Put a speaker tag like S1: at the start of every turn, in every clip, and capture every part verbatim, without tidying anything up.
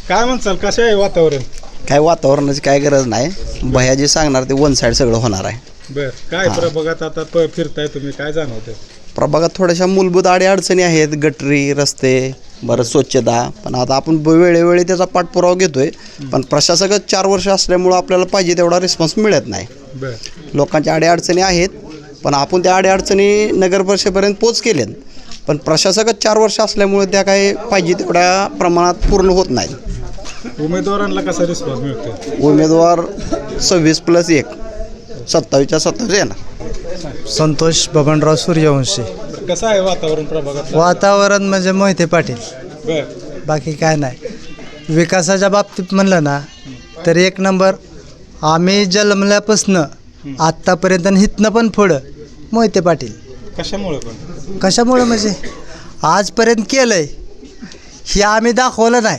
S1: काय म्हणसाल कसं आहे वातावरण?
S2: काय वातावरणाची काय गरज नाही, भैया जे सांगणार ते वन साईड सगळं होणार आहे.
S1: बर काय प्रभागात आता प- फिरताय तुम्ही, काय जाणवतं?
S2: प्रभागात थोड्याशा मूलभूत अडीअडचणी आहेत, गटरी, रस्ते, बरं स्वच्छता, पण आता आपण ब- वेळोवेळी त्याचा पाठपुरावा घेतोय. पण प्रशासकच चार वर्ष असल्यामुळं आपल्याला पाहिजे तेवढा रिस्पॉन्स मिळत नाही.
S1: बर
S2: लोकांच्या अडीअडचणी आहेत, पण आपण त्या अडीअडचणी नगर परिषदेपर्यंत पोच केल्यात. पण प्रशासकच चार वर्ष असल्यामुळे त्या काही पाहिजे तेवढ्या प्रमाणात पूर्ण होत नाहीत.
S1: उमेदवारांना कसा रिस्पॉन्स मिळतो?
S2: उमेदवार सव्वीस प्लस एक सत्तावीसच्या सत्तावीस येणार.
S3: संतोष बबनराव सूर्यवंशी.
S1: कसं आहे वातावरण प्रभागात?
S3: वातावरण म्हणजे मोहिते पाटील,
S1: बर
S3: बाकी काय नाही. विकासाच्या बाबतीत म्हणलं ना तर एक नंबर. आम्ही जन्मल्यापासनं आत्तापर्यंत आणि इथनं पण पुढं मोहिते पाटील.
S1: कशामुळे पण?
S3: कशामुळं म्हणजे आजपर्यंत केलं आहे हे आम्ही दाखवलं नाही,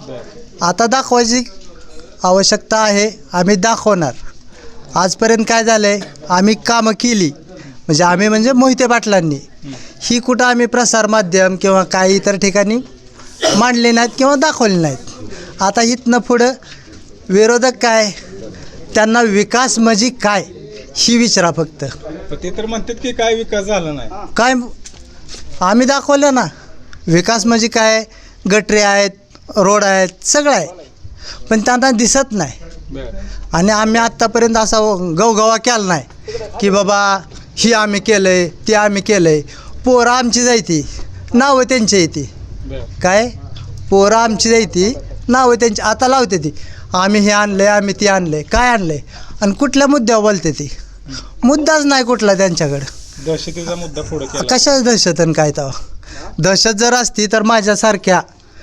S3: आता दाखवायची आवश्यकता आहे, आम्ही दाखवणार. आजपर्यंत काय झालं आहे, आम्ही कामं केली म्हणजे आम्ही म्हणजे मोहिते पाटलांनी ही कुठं आम्ही प्रसारमाध्यम किंवा काही इतर ठिकाणी मांडले नाहीत किंवा दाखवले नाहीत. आता इथनं पुढं विरोधक काय, त्यांना विकास म्हणजे काय ही विचारा फक्त.
S1: पण ते तर म्हणतात की काय विकास झाला नाही.
S3: काय आम्ही दाखवलं ना, विकास म्हणजे काय, गटरी आहेत, रोड आहेत, सगळं आहे, पण त्यांना दिसत नाही.
S1: बर
S3: आणि आम्ही आत्तापर्यंत असा गवगवा केला नाही की बाबा ही आम्ही केलं आहे, ते आम्ही केलं आहे. पोरं आमची जायती, नावं त्यांची येते.
S1: बर
S3: काय पोरं आमची जायती, नावं त्यांची आता लावते ती, आम्ही हे आणलं आहे, आम्ही ते आणलं आहे. काय आणलं आहे आणि कुठल्या मुद्द्यावर बोलते ती? मुद्दाच नाही कुठला त्यांच्याकडं.
S1: दहशतीचा मुद्दा पुढे केला.
S3: कशाच दहशत आणि काय तेव्हा? दहशत जर असती तर माझ्यासारख्या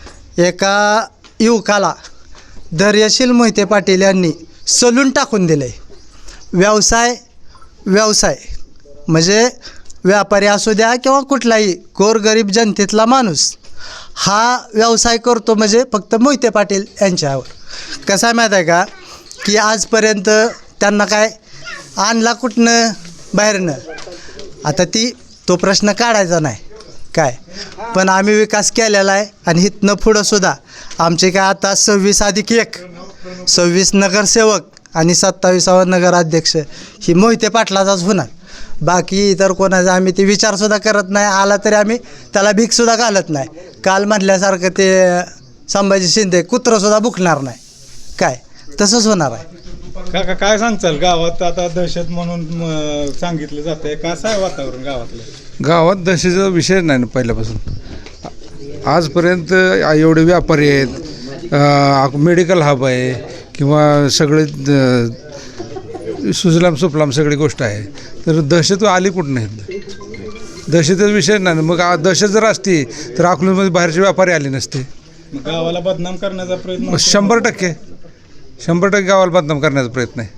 S3: एका युवकाला धैर्यशील मोहिते पाटील यांनी सलून टाकून दिलं आहे. व्यवसाय व्यवसाय म्हणजे व्यापारी असू द्या किंवा कुठलाही गोरगरीब जनतेतला माणूस हा व्यवसाय करतो म्हणजे फक्त मोहिते पाटील यांच्यावर. कसं आहे माहीत आहे का की आजपर्यंत त्यांना काय आणला कुठनं बाहेरनं, आता ती तो प्रश्न काढायचा नाही काय. पण आम्ही विकास केलेला आहे आणि इथनं पुढंसुद्धा आमचे काय आता सव्वीस अधिक एक सव्वीस नगरसेवक आणि सत्तावीसावा नगराध्यक्ष ही मोहिते पाटलाचाच होणार. बाकी इतर कोणाचा आम्ही ते विचारसुद्धा करत नाही, आला तरी आम्ही त्याला भीकसुद्धा घालत नाही. काल म्हटल्यासारखं ते संभाजी शिंदे कुत्रंसुद्धा बुकणार नाही, काय तसंच होणार आहे.
S1: काका काय सांगचाल, गावात आता दहशत म्हणून म, सांगितलं जातंय, कसं आहे वातावरण गावातलं?
S4: गावात दहशतीचा विषय नाही ना पहिल्यापासून. आजपर्यंत एवढे व्यापारी आहेत, मेडिकल हब आहे किंवा सगळे द- सुजलाम सुफलाम सगळी गोष्ट आहे, तर दहशत आली कुठं नाही. दहशतीचा विषय नाही. मग आ- दहशत जर असती तर अकलूजमध्ये बाहेरचे व्यापारी आले नसते.
S1: मग गावाला बदनाम करण्याचा प्रयत्न
S4: मग
S1: होतोय?
S4: शंभर टक्के शंभर टक्के गावाला बदनाम करण्याचा प्रयत्न आहे.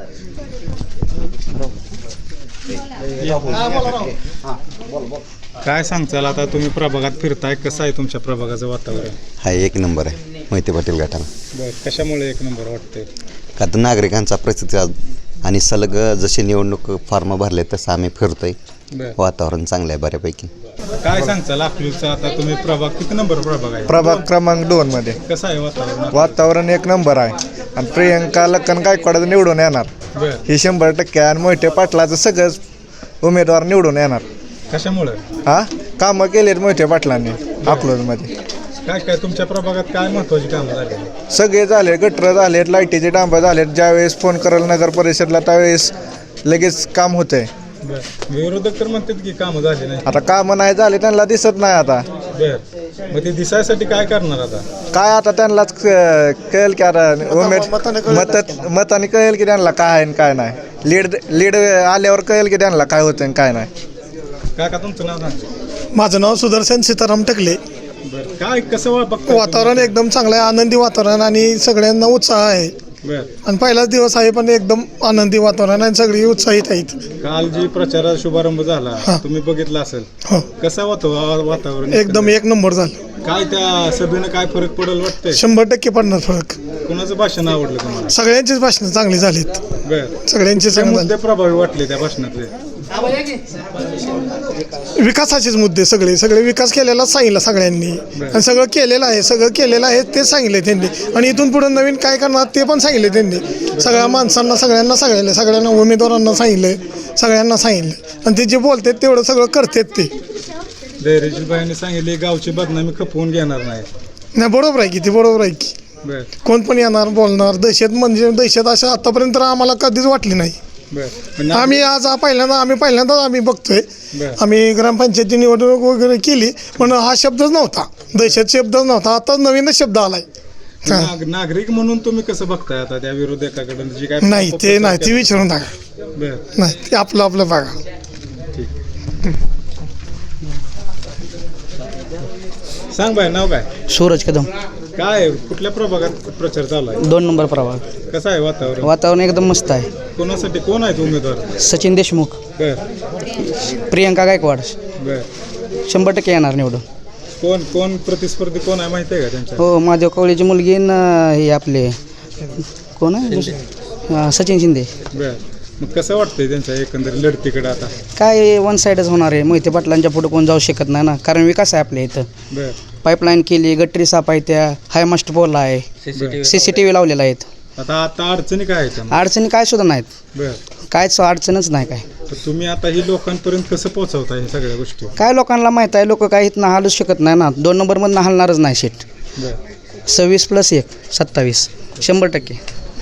S1: काय सांगचाल, आता तुम्ही प्रभागात फिरताय, कसं आहे तुमच्या प्रभागाचं वातावरण?
S5: हा एक नंबर आहे मोहिते पाटील गटाला.
S1: बर कशामुळे एक नंबर वाटतंय?
S5: का तर नागरिकांचा प्रतिसाद आणि सलग जसे निवडणूक फॉर्म भरले तसं आम्ही फिरतोय.
S1: बर
S5: वातावरण चांगलं आहे बऱ्यापैकी.
S1: काय सांगचाल अकलूजचा आता तुम्ही प्रभाग किती नंबर प्रभाग आहे?
S6: प्रभाग क्रमांक दोन मध्ये
S1: कसं आहे वातावरण?
S6: वातावरण एक नंबर आहे आणि प्रियंका लक्कन गायकवाड निवडून येणार
S1: बर
S6: हे शंभर टक्के. आणि मोहिते पाटलाचं सगळंच उमेदवार निवडून येणार.
S1: कशामुळे?
S6: हा कामं केलेत मोहिते पाटलांनी अकलूजमध्ये.
S1: काय काय तुमच्या प्रभागात काय महत्वाची कामं झाली?
S6: सगळे झाले, गटर झालेत, लाईटीचे डांबं झालेत. ज्यावेळेस फोन कराल नगर परिषदला त्यावेळेस लगेच काम होतंय.
S1: बर विरोधक तर म्हणतात की कामं झाली नाही.
S6: आता कामं नाही झाले, त्यांना दिसत नाही. आता
S1: बर मग ते दिसायसाठी काय करणार आता?
S6: काय आता त्यांनाच क- कळेल की आता उमेद मत मताने कळेल की त्यांना काय आहे आणि काय नाही. लीड लीड आल्यावर कळेल की त्यांना काय होतं आणि काय नाही.
S1: काय का तुमचं नाव सांग?
S7: माझं नाव सुदर्शन सीताराम टकले.
S1: बर काय कसं वा- बघताय
S7: वातावरण एकदम चांगलं आहे, आनंदी वातावरण आणि सगळ्यांना उत्साह आहे.
S1: तुम्ही? बर
S7: आणि पहिलाच दिवस आहे पण एकदम आनंदी वातावरण आणि सगळी उत्साहित आहेत.
S1: काल जी प्रचाराचा शुभारंभ झाला तुम्ही बघितला असेल,
S7: हो
S1: कसं होतं वा- वातावरण?
S7: एकदम एक नंबर झालं.
S1: काय त्या सभेनं काय फरक पडेल वाटतंय?
S7: शंभर टक्के पडणार फरक.
S1: कोणाचं भाषण आवडलं तुम्हाला?
S7: सगळ्यांचीच भाषणं चांगली झालीत.
S1: बरं.
S7: सगळ्यांची
S1: काय
S7: चांगली
S1: मुद्दे प्रभावी वाटले त्या भाषणातले?
S7: झाली. विकासाचेच मुद्दे सगळे सगळे विकास केलेला सांगितलं सगळ्यांनी आणि सगळं केलेलं आहे सगळं केलेलं आहे ते सांगितले त्यांनी आणि इथून पुढे नवीन काय करणार ते पण सांगितले त्यांनी. सगळ्या माणसांना सगळ्यांना सांगितलं, सगळ्यांना उमेदवारांना सांगितलं, सगळ्यांना सांगितलं आणि ते जे बोलतात तेवढं सगळं करतात ते.
S1: धैर्यशील बाईंनी सांगितले गावची बदनामी खपवून घेणार नाही.
S7: नाही बरोबर आहे की ते बरोबर आहे की.
S1: बर
S7: कोण पण येणार बोलणार. दहशत म्हणजे दहशत असं आतापर्यंत तर आम्हाला कधीच वाटली नाही.
S1: बर पण
S7: आम्ही आज हा पहिल्यांदा आम्ही पहिल्यांदाच आम्ही बघतोय.
S1: बरं.
S7: आम्ही ग्रामपंचायती निवडणूक वगैरे केली पण हा शब्दच नव्हता, दहशत शब्दच नव्हता. आता नवीनच शब्द आलाय. हा.
S1: नाग- नागरिक म्हणून तुम्ही कसं बघताय आता त्या विरोधकाकडून जी काय
S7: नाही ते नाही ते विचारून टाका.
S1: बर
S7: नाही ते आपलं आपलं बघा.
S1: सांग बाय नाव काय?
S8: सूरज कदम,
S1: काय कुठल्या प्रभागात प्रचार चालू आहे?
S8: दोन नंबर प्रभाग.
S1: कसं आहे वातावरण?
S8: वातावरण एकदम मस्त आहे.
S1: कोणासाठी कोण आहेत उमेदवार?
S8: सचिन देशमुख,
S1: बर
S8: प्रियंका गायकवाड
S1: बर
S8: शंभर टक्के येणार निवडून.
S1: कोण कोण प्रतिस्पर्धी कोण आहे माहिती आहे का त्यांच्या?
S8: हो, महादेव कवळेची मुलगी न हे आपले कोण आहे हा, सचिन शिंदे.
S1: बर मग कसं वाटतंय त्यांच्या एकंदरीत लढतीकडे आता?
S8: काय वन साईडच होणार आहे. मोहिते पाटलांच्या पुढे कोण जाऊ शकत नाही ना, कारण विकास आहे आपल्या इथं.
S1: बर
S8: पाईपलाईन केली, गटरी साफ आहे, त्या हाय मास्ट पोल आहे, सी सी टी व्ही लावलेला आहेत.
S1: आता आता अडचणी काय आहेत?
S8: अडचणी काय सुद्धा नाहीत,
S1: बर
S8: कायच अडचणच नाही. काय
S1: तर तुम्ही आता ही लोकांपर्यंत कसं पोहोचवता हे सगळ्या गोष्टी?
S8: काय लोकांना माहीत आहे, लोक काय इथनं हालूच शकत नाही ना. दोन नंबरमधनं हलणारच नाही सीट.
S1: बर
S8: सव्वीस प्लस एक सत्तावीस शंभर टक्के.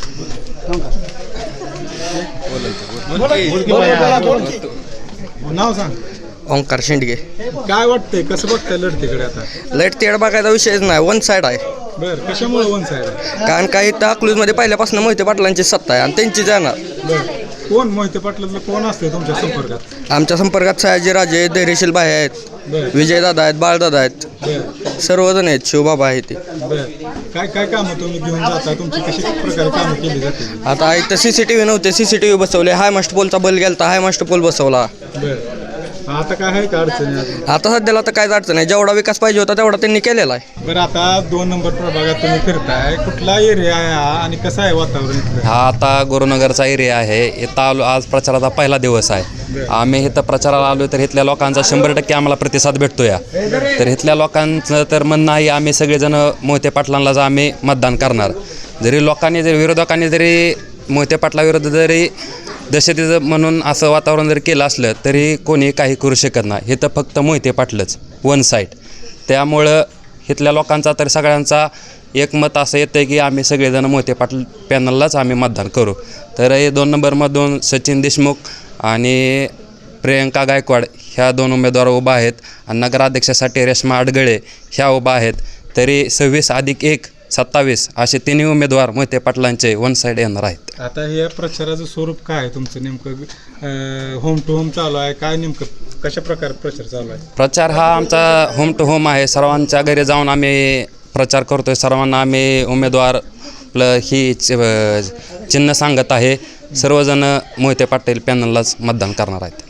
S1: नाव सांग.
S9: ओंकार शेंडगे.
S1: काय वाटतंय कसं बघताय लढतीकडे आता?
S9: लाईट तेड बघायचा विषयच नाही, वन साईड आहे.
S1: बर कशामुळे वन साईड आहे?
S9: कारण काही इथं अकलूजमध्ये पहिल्यापासून मोहिते पाटलांची सत्ता आहे आणि त्यांची जाणार.
S1: बर कोण मोहिते पाटलातलं कोण असते तुमच्या संपर्कात?
S9: आमच्या संपर्कात सयाजी राजे, धैर्यशील भाई आहेत,
S1: बर
S9: विजयदादा आहेत, बाळदादा आहेत,
S1: बर
S9: सर्वजण आहेत, शिवबाबा आहे ते.
S1: बर काय काय कामं तुम्ही घेऊन जाता? तुमची कशी प्रकारे कामं केली जाते?
S9: आता इथं सी सी टी व्ही नव्हते, सी सी टी व्ही बसवले. हाय मास्ट पोलचा बल गेलता, हाय मास्ट पोल बसवला.
S1: बर आता काय आहे का अडचणी अजून?
S9: आता सध्याला तर काहीच अडचण नाही, जेवढा विकास पाहिजे होता तेवढा त्यांनी केलेला आहे.
S1: बरं आता दोन नंबर प्रभागात तुम्ही फिरताय, कुठला एरिया आहे हा आणि कसं आहे वातावरण इथलं?
S10: हा आता गुरुनगरचा एरिया आहे. इथं आलो, आज प्रचाराचा पहिला दिवस आहे. आम्ही इथं प्रचाराला आलो तर इथल्या लोकांचा शंभर टक्के आम्हाला प्रतिसाद भेटतो या. तर इथल्या लोकांचं तर म्हणणं आहे आम्ही सगळेजण मोहिते पाटलांनाच आम्ही मतदान करणार. जरी लोकांनी जरी विरोधकांनी जरी मोहिते पाटलाविरुद्ध जरी दहशतीचं म्हणून असं वातावरण जर केलं असलं तरी कोणी काही करू शकत नाही. इथं फक्त मोहिते पाटलंच वन साईड. त्यामुळं इथल्या लोकांचा तर सगळ्यांचा एक मत असं येतं की आम्ही सगळेजण मोहिते पाटील पॅनललाच आम्ही मतदान करू. तर हे दोन नंबरमधून सचिन देशमुख आणि प्रियंका गायकवाड ह्या दोन उमेदवार उभा आहेत आणि नगराध्यक्षासाठी रेश्मा अडगळे ह्या उभा आहेत. तरी सव्वीस अधिक एक सत्तावीस असे तिन्ही उमेदवार मोहिते पाटलांचे वन साईड येणार आहेत.
S1: आता हे प्रचाराचं स्वरूप काय आहे तुमचं? नेमकं होम टू होम चालू आहे काय? नेमकं कशा प्रकारे प्रचार चालू आहे?
S10: प्रचार हा आमचा होम टू होम आहे. सर्वांच्या घरी जाऊन आम्ही प्रचार करतो आहे. सर्वांना आम्ही उमेदवार प्ल ही चिन्ह सांगत आहे. सर्वजण मोहिते पाटील पॅनललाच मतदान करणार आहेत.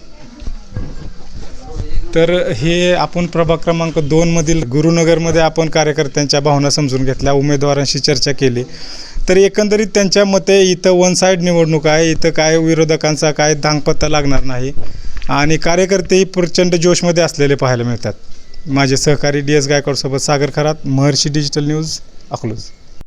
S1: तर हे आपण प्रभाग क्रमांक दोनमधील गुरुनगरमध्ये आपण कार्यकर्त्यांच्या भावना समजून घेतल्या, उमेदवारांशी चर्चा केली. तर एकंदरीत त्यांच्या मते इथं वन साईड निवडणूक आहे. इथं काय विरोधकांचा काय धांगपत्ता लागणार नाही आणि कार्यकर्तेही प्रचंड जोशमध्ये असलेले पाहायला मिळतात. माझे सहकारी डी एस गायकवाडसोबत सागर खरात, महर्षी डिजिटल न्यूज, अकलूज.